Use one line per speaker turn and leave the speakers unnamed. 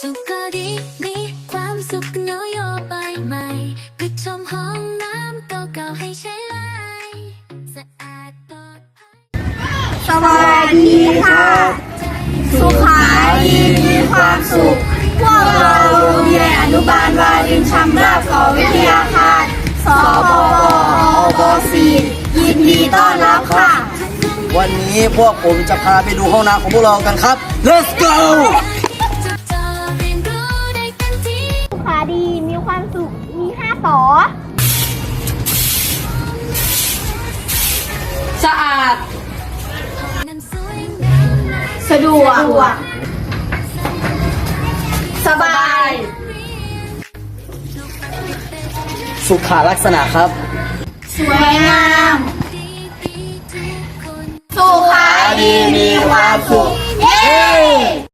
สุขก็ดีมีความสุขนโยบายใหม่ปิดชมห้องน้ำเก่าๆให้ใช้ไลสะอาดปลอดภัย
สวัสดีค่ะ สุขาดีมีความสุข พวกเราโรงเรียนอนุบาลวารินชำราบกวิทยาคารสปป.4 ยินดีต้อนรับค่ะ
วันนี้พวกผมจะพาไปดูห้องน้ำของพวกเรากันครับ Let's go
สุขาดีมีความสุข มี5 ต่อ
สะอาด
สะดวก สบาย
สุขาลักษณะครับ
สวยงาม สุขาดีมีความสุข เย้